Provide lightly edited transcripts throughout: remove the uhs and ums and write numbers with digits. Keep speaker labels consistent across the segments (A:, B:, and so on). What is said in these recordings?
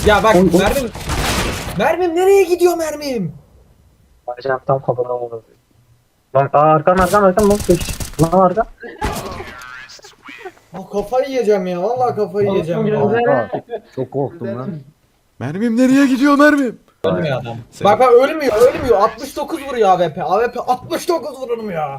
A: Ya bak mermim. Mermim nereye gidiyor mermim?
B: Bacağım tam kafadan vurdu. Lan arkan lan geç. Lan arka.
A: Ah, kafayı yiyeceğim ya. Vallahi kafayı yiyeceğim ya.
C: Kanka çok korktum lan.
D: Mermim nereye gidiyor mermim?
A: Ölmüyor adam.
D: Senin-
A: Bak ölmüyor. 69 vuruyor AWP. AWP 69 vurulmuyor.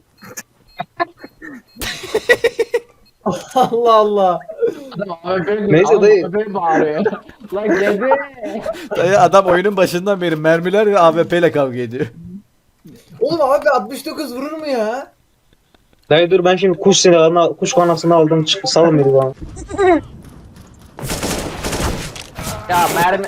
A: Allah Allah.
B: Neyse dayı.
E: Bağırıyor. Lan gebe.
D: Dayı adam oyunun başından beri mermiler ve AWP ile kavga ediyor.
A: Oğlum abi 69 vurur mu ya?
B: Dayı dur ben şimdi kuş kanasını aldım salın beni bana.
E: Ya mermi.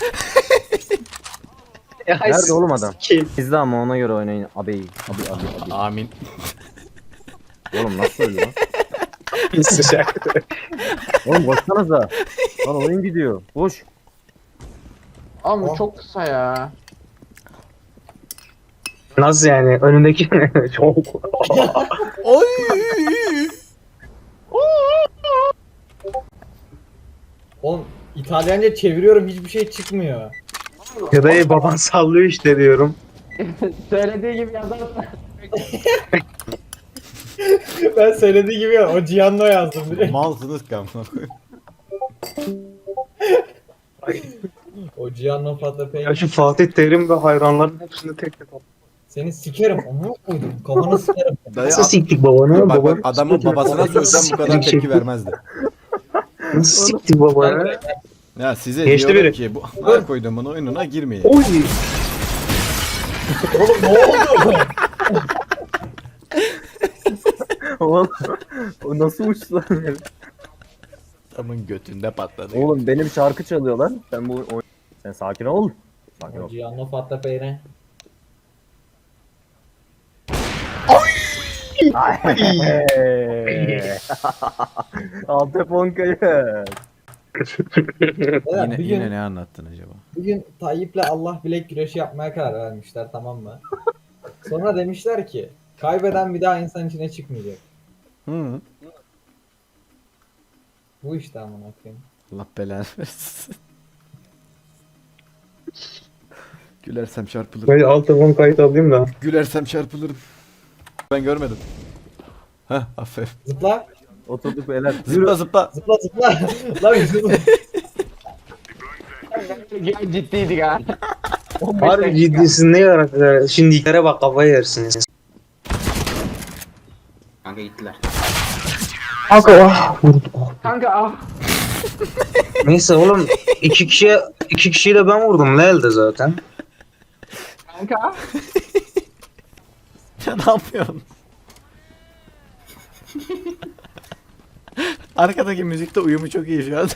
C: Nerede oğlum adam?
B: Kim?
C: İzle ama ona göre oynayın. Abi.
D: Amin.
C: Oğlum nasıl öyle lan?
B: Sıcak.
C: Oğlum koşsanıza. Lan oyun gidiyor. Koş.
E: Oğlum bu çok kısa ya.
B: Nasıl yani? Önündeki çok.
D: Oy!
A: Oğlum İtalyanca çeviriyorum hiçbir şey çıkmıyor.
B: Ya dayı baban sallıyor işte diyorum.
E: Söylediği gibi yazarsan.
A: Ben söylediği gibi ya, o Gianno yazdım direkt.
D: Malsınız kanka.
A: O Gianno Fatapey.
B: Ya şu Fatih Terim ve hayranların hepsini tek tek al.
A: Seni sikerim. Onu koydum. Kafanı sikerim.
D: Dayı
B: Nasıl siktik babanı?
D: bak,
B: Baba.
D: adamın babasına söylesem bu kadar tepki vermezdi.
B: Nasıl siktik babanı?
D: Ya size
B: Geçti
D: diyorum
B: biri.
D: ki bu her koyduğumun oyununa girmeyin.
B: Oy.
A: Oğlum ne oldu?
C: Oğlum o nasıl uçtu lan?
D: Adamın götünde patladı.
C: Oğlum benim şarkı çalıyor lan. Sen sakin ol. Sakin
A: O
C: ol.
A: Gianno Fatapey ne?
C: Alteponka'yı.
A: Evet,
D: Yine ne anlattın acaba?
A: bugün Tayyip'le Allah bilek güreşi yapmaya karar vermişler, tamam mı? Sonra demişler ki kaybeden bir daha insan içine çıkmayacak.
D: Hı.
A: Bu işte amına koyayım.
D: Allah belanı versin. Gülersem çarpılırım.
B: Böyle alt telefon kayıt alayım da.
D: Gülersem çarpılırım. Ben görmedim. Heh aferin.
A: Zıpla.
C: Oturduk beyler.
D: Zıpla zıpla.
A: Zıpla zıpla. Lan bir zıpla.
E: Ya ciddiydik ha.
B: Harbi ciddisin ne yarar? Şimdikilere bak kafayı yersiniz.
F: Kanka gittiler.
B: Kanka ah vurdu.
E: Kanka ah.
B: Neyse oğlum iki kişiyi de ben vurdum ne elde zaten.
E: Kanka.
D: Ya ne yapıyorsun? Arkadaki müzikte uyumu çok iyi şu an.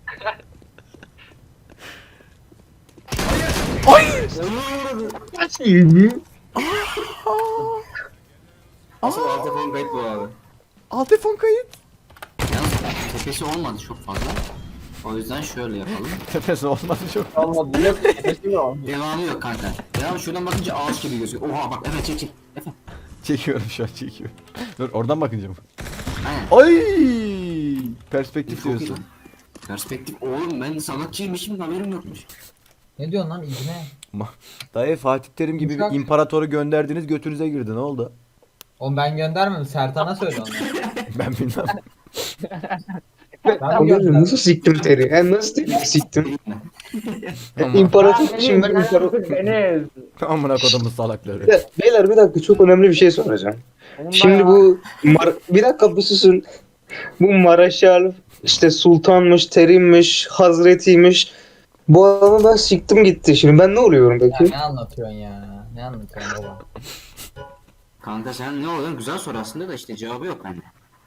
F: Asıl alt telefon kayıt bu abi.
D: Alt telefon kayıt.
F: Yalnız tepesi olmadı çok fazla. O yüzden şöyle yapalım.
D: Tepesi olmadı çok.
E: Olmadı. Yok. Nefesim yok.
F: Devamı yok kanka. Devamı şuradan bakınca ağaç gibi gözüküyor. Oha bak evet çek çek. Efe.
D: Çekiyorum şu an çekiyorum. Dur oradan bakınca mı?
F: Aynen.
D: Ay! Perspektif
F: Çok iyi
D: diyorsun.
F: lan. Perspektif oğlum ben sanatçıymışım haberim yokmuş.
A: Ne diyorsun lan İbne?
D: Dayı Fatih Terim gibi bir
A: Uçak.
D: imparatoru gönderdiniz götünüze girdi ne oldu?
A: Oğlum ben göndermedim. Sertan'a söyle onu.
D: Ben bilmem.
A: Ben mi
B: Oğlum
A: gönderdim?
B: nasıl siktim teri? Nasıl teri siktim?
D: Ama
B: İmparator şimdi imparator.
E: Deniz.
D: amına kodumun salakları.
B: Beyler bir dakika çok önemli bir şey soracağım. Şimdi bu bir dakika bir susun. Bu Maraşal işte sultanmış, terimmiş, hazretiymiş. Bu adamı ben siktim gitti. Şimdi ben ne oluyorum
A: Ya
B: peki?
A: ne anlatıyorsun ya? Ne anlatıyorsun baba?
F: Kanka sen ne oluyor? Güzel soru aslında da işte cevabı yok bende.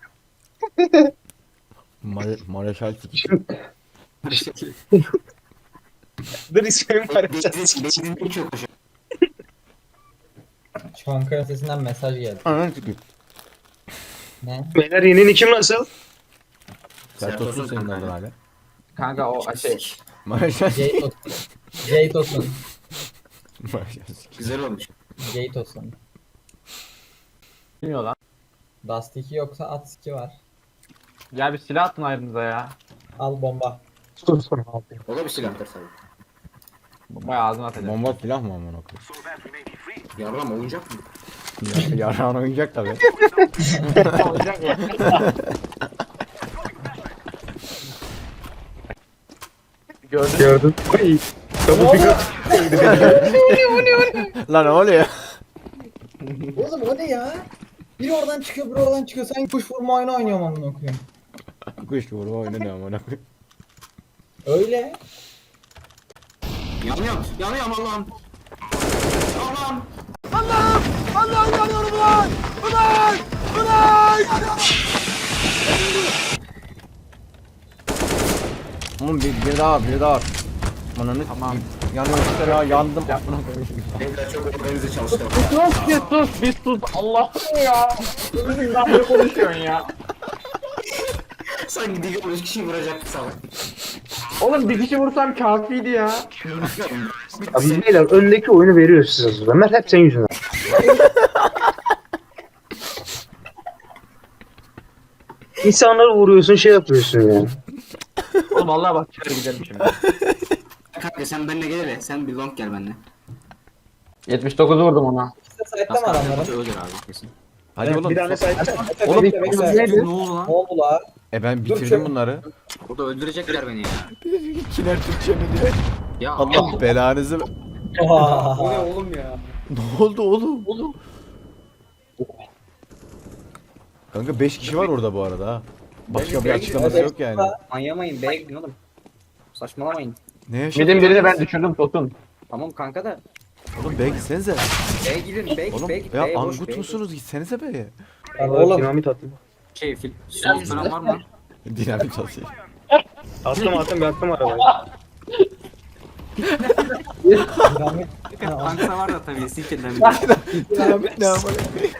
D: Mareşal sikik.
B: Dur ismim
F: Beklediğim çok hoş.
A: Çankaya sesinden mesaj geldi.
D: Ananı sikik.
A: Ne?
B: Beyler yeni kim nasıl?
D: Sertosun senin adın hala.
E: Kanka o şey.
D: Mareşal sikik.
A: Jaytosun. Jaytosun.
D: Mareşal sikik.
F: Güzel olmuş.
A: Jaytosun.
E: Bilmiyor lan.
A: Dust 2 yoksa at 2 var.
E: Ya bir silah atın ayrınıza ya.
A: Al bomba.
B: Sus sonra abi.
F: O da bir silahtır tabii.
E: Bayağı ağzına atacağım.
D: Bomba silah mı amına koyayım?
F: Yarram oyuncak mı?
D: Yarağın oyuncak tabii.
B: Gördün. Ay. Tabu bir
D: Lan ne oluyor?
A: Oğlum o ne ya? Biri oradan çıkıyor, biri oradan çıkıyor. Sen kuş vurma oyunu oynuyorum amına koyayım.
D: Kuş vurma oyunu ne amına koyayım?
A: Öyle.
F: Yanıyorum. Yanıyorum Allah'ım. Allah'ım.
D: Oğlum bir daha. Ananı tamam. Yanıyorum işte ya yandım. Amına koyayım.
F: Evler çok organize çalıştı.
E: Bir sus. Allah'ım ya. Bizimden ne konuşuyorsun ya?
F: Sanki dili 13 kişi vuracak salak.
E: Oğlum bir kişi vursam kafiydi ya.
B: Abi beyler öndeki oyunu veriyor size. Ömer hep senin yüzünden. İnsanları vuruyorsun şey yapıyorsun yani.
E: Oğlum vallahi bak çıkar gidelim şimdi.
F: Kanka sen benimle gel hele. Sen bir long gel benimle.
E: 79 vurdum ona.
A: İşte site'de mi
F: Nasıl
A: adamların?
F: ölür abi kesin.
D: Hadi oğlum.
B: Bir tane sahip.
D: Oğlum,
A: Bekle, bekle.
F: Ne oldu lan?
A: Ne oldu la?
D: ben
A: Dur,
D: bitirdim
A: şu-
D: bunları.
F: Burada öldürecekler beni ya.
D: Kiner Türkçe mi diyor?
F: Ya
D: Allah belanızı.
A: Oha.
E: oğlum ya?
D: Ne oldu oğlum? Kanka 5 kişi var orada bu arada ha. Başka bir açıklaması yok yani.
G: Manyamayın B'ye gidin oğlum. Saçmalamayın.
D: Ne yaşadın?
E: Midin birini ben düşürdüm Tosun.
G: Tamam kanka da
D: Oğlum B'ye gitsenize.
G: B'ye gidin B'ye git
D: Oğlum
G: B'ye git.
D: ya
G: B'ye boş,
D: angut
G: B'ye
D: musunuz? Gitsenize B'ye.
A: Oğlum.
B: Dinamit attım.
F: şey silah falan var mı?
D: Dinamik çalışıyor.
B: Attım arabayı.
A: Dinamit.
F: Kanksa var da tabii sikirden.
D: Dinamik ne amına?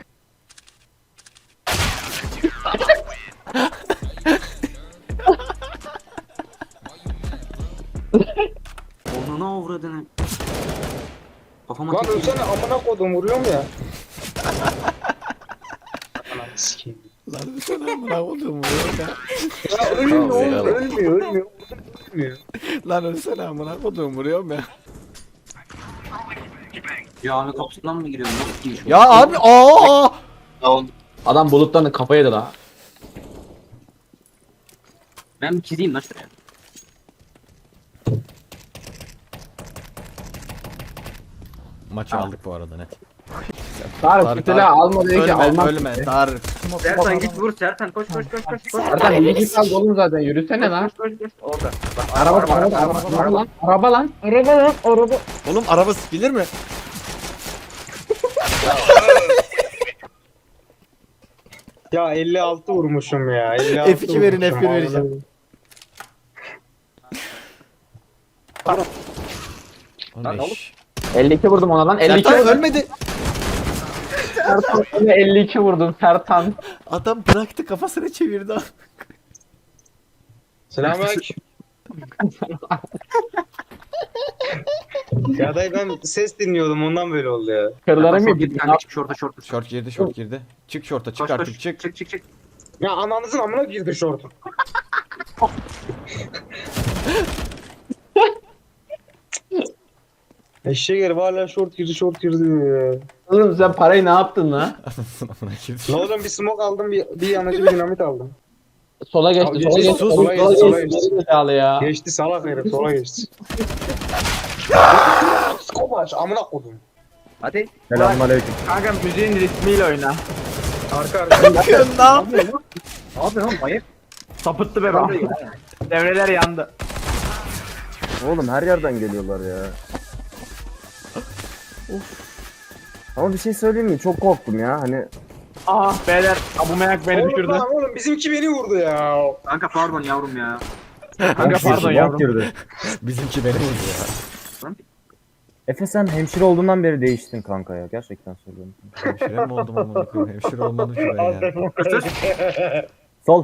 F: Onu ne avradını? Kafama
B: Lan
F: tekme.
B: ölsene amına kodum vuruyorum ya. Ananı sikeyim.
D: Lan sen amına koydum ya.
B: Ya ölmüyor oğlum ölmüyor.
D: Lan ölsene amına koydum vuruyorum ya.
F: Cami kapısından mı giriyorum? Nasıl giriş?
D: Ya abi aa!
E: Adam buluttan kafa yedi la.
F: Ben bir çizeyim lan şuraya.
D: Maçı aldık bu arada net.
E: Tarık bir silah alma diyor ki almam.
D: Ölme Tarık.
G: Sertan git vur Sertan koş.
E: Sertan bir git al oğlum zaten yürüsene lan.
G: Orada. Bak,
E: Araba lan.
D: Oğlum araba bilir mi?
B: Ya 56 vurmuşum ya. 56
D: F2 verin,
B: vurmuşum,
D: F1 vereceğim. Oğlum eş.
E: 52 vurdum ona lan. 52
D: Sertan
E: vurdum.
D: ölmedi.
E: Sertan yine 52 vurdum Sertan.
D: Adam bıraktı kafasını çevirdi.
B: Selamünaleyküm. Ya dayı ben ses dinliyordum ondan böyle oldu ya.
E: Kırlarım mı
F: Git
E: gitti?
F: kanka çık şorta.
D: Şort girdi. Çık şorta çık artık çık.
F: Çık.
B: Ya ananızın amına girdi şortu. Eşeğe herif hala şort girdi diyor ya.
E: Oğlum sen parayı ne yaptın lan?
D: Amına girdi.
B: La oğlum bir smoke aldım bir yanıcı bir dinamit aldım.
E: Sola geçti.
B: Abi,
E: Sola
B: sus,
E: geçti.
B: sus,
E: Sola
B: sola
E: geçti.
B: geçti.
E: Geri zekalı ya.
B: Geçti salak herif sola geçti. Skobaç amına kodum.
G: Hadi.
C: Selamünaleyküm.
E: Kanka müziğin ritmiyle oyna.
B: Arka
D: Ne yapıyorsun lan?
G: Abi lan manyak.
E: Sapıttı be bak. Devreler yandı.
C: Oğlum her yerden geliyorlar ya. Ama bir şey söyleyeyim mi? Çok korktum ya. Hani
E: Ah beyler. Abu Meyak beni düşürdü.
B: Oğlum bizimki beni vurdu ya.
F: Kanka pardon yavrum ya.
E: Kanka pardon yavrum.
C: girdi.
D: Bizimki beni vurdu ya.
C: Efe sen hemşire olduğundan beri değiştin kanka ya. Gerçekten söylüyorum.
D: Hemşire mi oldum amına koyayım? Hemşire olmadım ki ben ya.
C: Sol.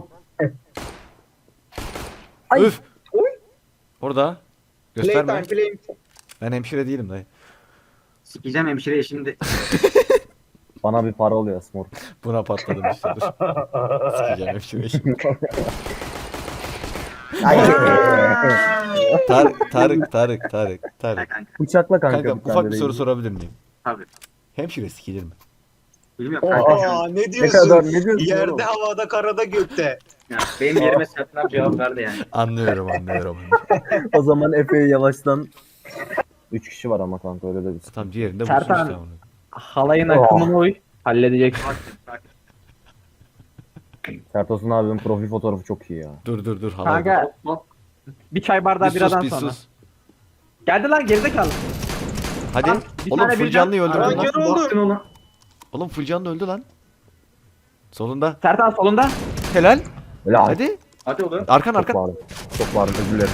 D: Üf. Orada. Gösterme.
B: Playtime.
D: Ben hemşire değilim dayı.
F: Sikeceğim hemşireye şimdi.
C: Bana bir para oluyor Smor.
D: Buna patladım işte dur. Sikeceğim hemşire şimdi.
H: Tarık.
C: Bıçakla kanka.
H: Kanka
C: bir tane
H: ufak bir
C: de
H: soru
C: değil.
H: sorabilir miyim?
G: Tabii.
H: Hemşire sikilir mi?
G: Bilmiyorum kanka şu an.
B: Aa, ne
C: Ne kadar
B: diyorsun?
C: ne diyorsun
B: Yerde,
C: oğlum?
B: havada, karada, gökte.
G: Yani benim yerime Sertan abi cevap verdi yani.
H: Anlıyorum.
C: O zaman Efe'yi yavaştan 3 kişi var ama kanka öyle de bir
H: Tam diğerinde
E: Sertan.
H: bulsun işte onu.
E: Halayın akımına uy. Halledeceksin.
C: Sertosun abinin profil fotoğrafı çok iyi ya.
H: Dur halay.
E: Kanka bir çay bardağı
H: Bir
E: biradan
H: sus.
E: sonra. Geldi lan gerizekalı.
H: Hadi.
E: Lan, bir
H: Oğlum
E: tane
H: full
E: birden-
H: canlıyı öldürdün
B: Aa,
H: lan.
B: kör oldu.
G: Baktın ona.
H: Oğlum full canlı öldü lan. Solunda.
E: Sertan solunda.
H: Helal.
C: Öyle abi.
H: Hadi.
G: Hadi oğlum.
H: Arkan
C: Çok
H: arkan.
C: bağırdım. Çok bağırdım özür dilerim.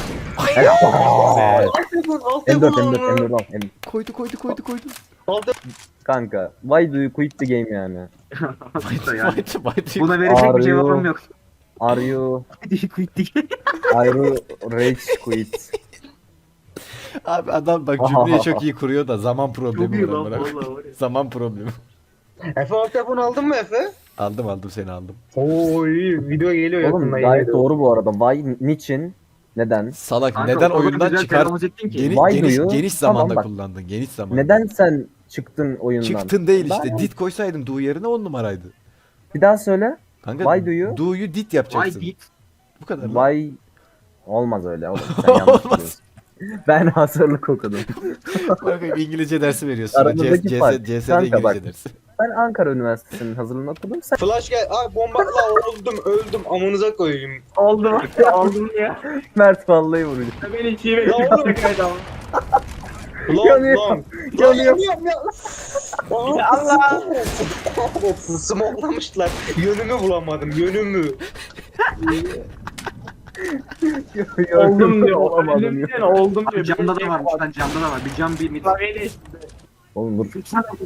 B: Alt
C: M4
B: yapın
C: M4
B: onu.
C: M4 al. M4.
H: Koydu.
C: Kanka why do you quit the game yani?
H: Fight.
G: Buna verecek
C: Are
G: bir cevabım
C: you-
G: yok.
C: Are you
G: Dik.
C: are you rage quit?
H: Abi adam bak cümleyi çok iyi kuruyor da zaman
G: Çok
H: problemi
G: iyi
H: var.
G: lan
H: amına koyayım.
G: vallahi var ya.
H: Zaman problemi.
B: Efe alt yapını aldın mı Efe?
H: Aldım seni aldım.
B: Oo iyi. Video geliyor
C: Oğlum
B: yakında.
C: gayet doğru bu arada. Why, niçin, neden?
H: Salak
G: Kanka,
H: neden
G: o kadar
H: oyundan
G: güzel
H: çıkar?
G: telaffuz ettin ki.
C: Why do you?
H: Geniş
C: Tamam,
H: zamanda
C: bak.
H: kullandın. Geniş zamanda.
C: Neden sen çıktın oyundan?
H: Çıktın değil işte.
C: Ben-
H: Dit koysaydım do yerine 10 numaraydı.
C: Bir daha söyle.
H: Kanka
C: Why do you?
H: do'yu dit yapacaksın.
G: Vay dit.
H: Bu kadar lan.
C: Why olmaz öyle oğlum. Sen yanlış biliyorsun. Ben hazırlık okudum.
H: Bakayım İngilizce dersi veriyorsun.
C: Aramızdaki fark.
H: CS'de
C: Kanka bak.
H: İngilizce dersi.
C: Ben Ankara Üniversitesi'nin hazırlığını okudum. Sen
B: Flash gel. Ay bomba. La öldüm. Amınıza koyayım.
E: Oldu oldum ya.
C: Mert vallahi vuruyor.
E: Beni çiğne
B: Ya oğlum. Lan
C: Yanıyor.
B: lan.
C: Yanıyor.
B: Ya Allah. Smoklamışlar. Yönümü bulamadım. Yönümü.
E: Oldum diyor.
C: Olamadım
E: Öldüm
C: ya.
E: diyor. Oldum diyor.
G: Abi camda da varmış lan camda da var. Bir cam bir mit.
E: Klavyeyle
C: Oğlum dur.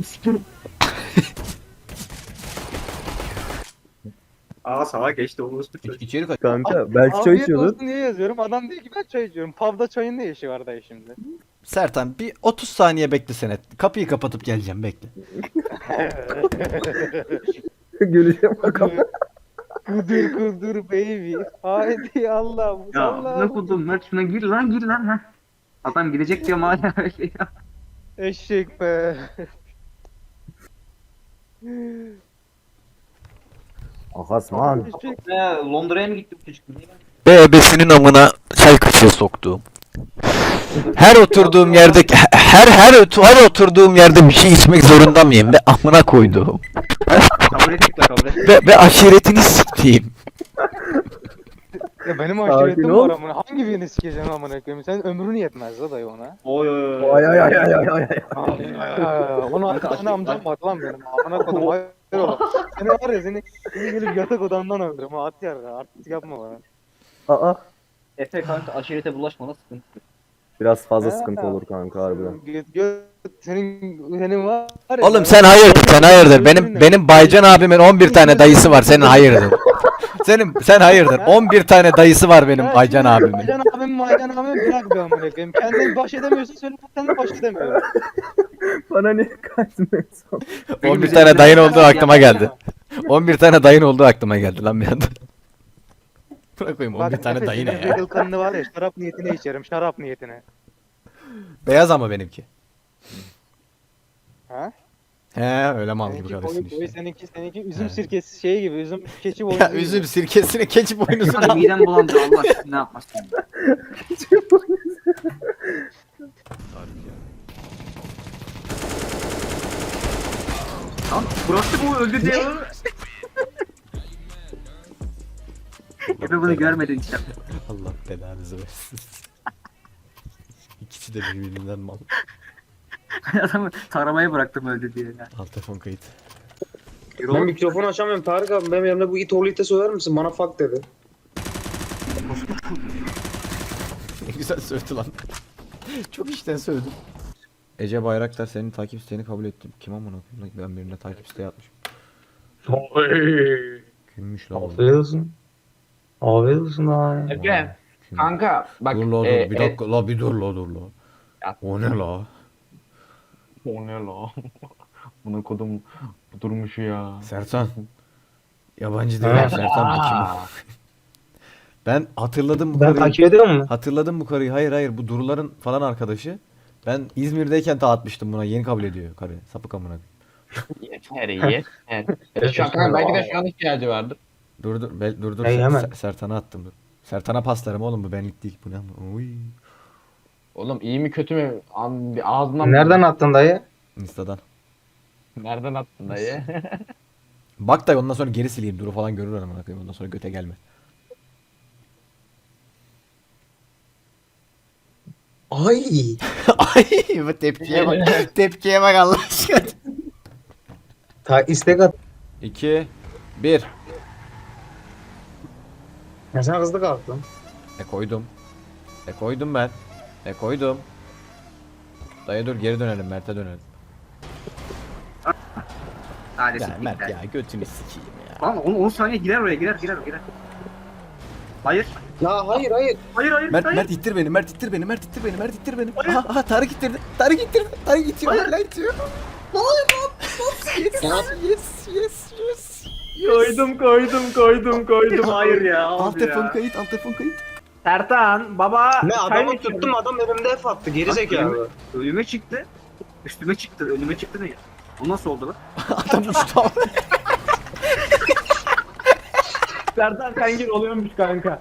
G: Aa sağa geçti o usta.
H: İçeri kaç.
C: Kanka belki çay içiyordun.
I: Niye yazıyorum? Adam diyor ki ben çay içiyorum. Pub'da çayın ne işi var dayı şimdi?
H: Sertan bir 30 saniye beklesene. Kapıyı kapatıp geleceğim bekle.
C: Güleceğim bakalım.
I: Kudur baby. Haydi Allah.
G: Ya ne kudum Mert şuna gir lan ha. Adam gidecek diyor hala öyle ya.
I: Eşek be.
C: Ahasman.
I: Eşek.
G: Londra'ya mı gittik çocuk?
H: Bebesinin amına çay kaşığı soktuğum. Her oturduğum yerde her oturduğum yerde bir şey içmek zorunda mıyım ve amına koyduğum
G: Kabul ettik la kabul ettik.
H: ve aşiretini siktiğim.
I: Ya benim
C: Sakin
I: aşiretim
C: ol.
I: var amına. Hangi birini sikeceğim amına koyayım? Sen ömrün yetmez la dayı ona.
G: Oy.
C: Ay ay ay ay ay ay.
I: Onu arkadaşına amcam var lan benim. Amına kodum. Hayır oğlum. Seni var ya seni gelip yatak odamdan öldürürüm. At yarra. Artık yapma bana.
C: Aa.
G: Efe kanka aşirete bulaşmana sıkıntı.
C: Biraz fazla sıkıntı olur kanka harbiden.
I: Senin var ya.
H: Oğlum sen hayırdır. Benim Baycan abimin 11 tane dayısı var. Senin hayırdır. Sen hayırdır. 11 tane dayısı var benim Baycan abimin.
I: Baycan abim bırak be amına koyayım. Kendin baş edemiyorsun söyle kendin baş edemiyorum.
C: Bana ne kaçmıyorsun?
H: 11 tane dayın olduğu aklıma geldi. 11 tane dayın olduğu aklıma geldi lan bir anda. Bırakayım 11 tane dayı ne ya?
I: Regal kanını var ya şarap niyetine içerim şarap niyetine.
H: Beyaz ama benimki.
I: Ha?
H: He öyle mal gibi
I: Seninki
H: karışsın
I: boyu
H: işte.
I: seninki üzüm sirkesi şey gibi üzüm keçi boyu.
H: Ya üzüm sirkesini keçi boynuzunu
G: Hadi
H: al.
G: midem bulandı Allah aşkına ne yapmasın. Lan bıraktı bu öldü diye. Efe bunu görmedin işte.
H: Allah belanızı versin. İkisi de birbirinden mal.
G: Adamı taramaya bıraktım öldü diye. Ya.
H: Al telefon kayıt.
B: Ben mikrofonu açamıyorum. Tarık abi benim yanımda bu it oğlu ite söyler misin? Bana fuck dedi.
H: Ne güzel sövdü lan. Çok işten sövdüm. Ece Bayraktar senin takip isteğini kabul ettim. Kim amına koyayım? Ben birine takip isteği atmışım. Kimmiş lan? o?
B: Afiyet olsun. Afiyet olsun abi.
E: Efe kanka bak.
H: Dur la dur bir dakika la bir dur la dur la.
E: Ya.
H: O ne la?
E: O ne la? Bunu kodum durmuş ya.
H: Sertan. Yabancı değil Sertan bu kim? Ben hatırladım bu
B: Ben
H: karıyı.
B: takip ediyor musun?
H: Hatırladım bu karıyı. Hayır bu Duruların falan arkadaşı. Ben İzmir'deyken dağıtmıştım buna. Yeni kabul ediyor karı. Sapık amına.
E: Yeter yeter. Şu an kanka belki de şu an ihtiyacı vardır.
H: Dur.
B: Hey, hemen.
H: Sertan'a attım dur. Sertan'a paslarım oğlum bu benlik değil. Bu ne ama? Uy.
E: Oğlum iyi mi kötü mü? Bir ağzından
B: Nereden attın dayı?
H: Insta'dan.
E: Nereden attın dayı?
H: Bak da ondan sonra geri sileyim. Duru falan görür amına koyayım. Ondan sonra göte gelme.
B: Ay.
H: Ay bu tepkiye bak. Tepkiye bak Allah aşkına.
B: İstek at.
H: 2 1
B: Ya sen hızlı kalktın.
H: koydum. Koydum ben. Koydum. Dayı dur geri dönelim Mert'e dönelim.
G: Hadi
H: Ya
G: siktir
H: Mert
G: be.
H: ya götünü sikeyim ya.
G: Lan 10 saniye girer oraya girer. Hayır.
B: Ya hayır.
G: Hayır.
H: Mert ittir beni. Mert ittir beni. Aha Tarık ittirdi. Tarık itiyor. Hala itiyor. Yes.
G: Koydum. Hayır ya.
H: Alt telefon kayıt.
G: Sertan baba.
B: Ne adamı tuttum adam elimde F attı geri zekalı.
G: Önüme çıktı. Üstüme çıktı. Önüme çıktı ne ya? O nasıl oldu lan?
H: Adam uçtu.
E: Sertan sen gir oluyormuş kanka.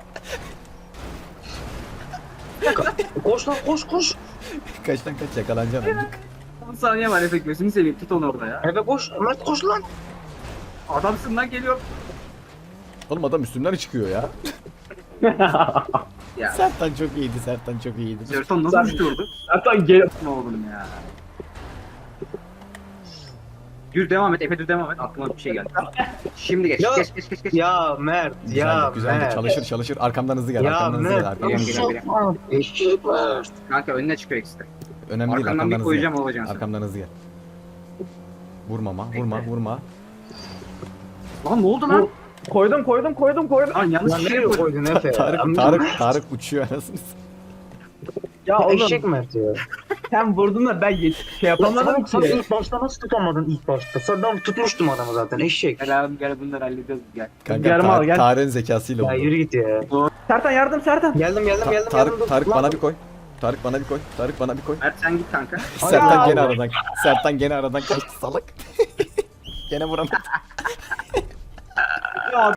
B: Koş lan koş.
H: Kaçtan kaç yakalanacaksın amcık.
G: 10 saniye var efekt gözünü seveyim. Tut onu orada ya.
B: Eve koş. Mert koş lan.
G: Adamsın lan geliyor.
H: Oğlum adam üstümden çıkıyor ya.
G: Ya.
H: Sertan çok iyiydi.
G: Sertan nasıl düştü orada?
E: Sertan gel.
G: Ne oğlum ya? Düz devam et. Efe düz devam et. Aklıma bir şey geldi. Şimdi geç.
B: Ya.
G: Geç.
B: Ya Mert ya
H: Güzeldi.
B: Mert.
H: Çalışır. Arkamdan hızlı gel.
B: Ya
H: Arkamdan hızlı gel.
B: Mert.
H: Arkamdan hızlı gel.
B: Eşek Mert.
G: Kanka önüne çıkıyor ikisi de.
H: Önemli değil.
G: Arkandan
H: Arkamdan
G: bir
H: hızlı
G: koyacağım
H: gel.
G: olacaksın.
H: Arkamdan hızlı gel. Vurma.
G: Lan ne oldu lan?
E: Koydum.
G: Lan yanlış
B: Lan
G: bir şey
B: nereye
G: koydum.
B: koydun Efe?
H: Tarık uçuyor anasını.
E: Ya oğlum
B: Eşek Mert ya.
E: sen vurdun da ben şey yapamadım
B: Sen
E: ki.
B: ilk başta nasıl tutamadın ilk başta? Sen ben tutmuştum adamı zaten eşek.
G: Gel abi gel bunları halledeceğiz gel.
H: Kanka
E: Yarım al, gel.
H: Tarık'ın zekasıyla
B: Ya
H: oldu.
B: yürü git ya.
E: Sertan yardım Sertan.
B: Geldim.
H: Tarık bana bir koy. Tarık bana bir koy.
G: Mert sen git kanka.
H: Sertan gene aradan kaçtı salak. Gene vuramadı.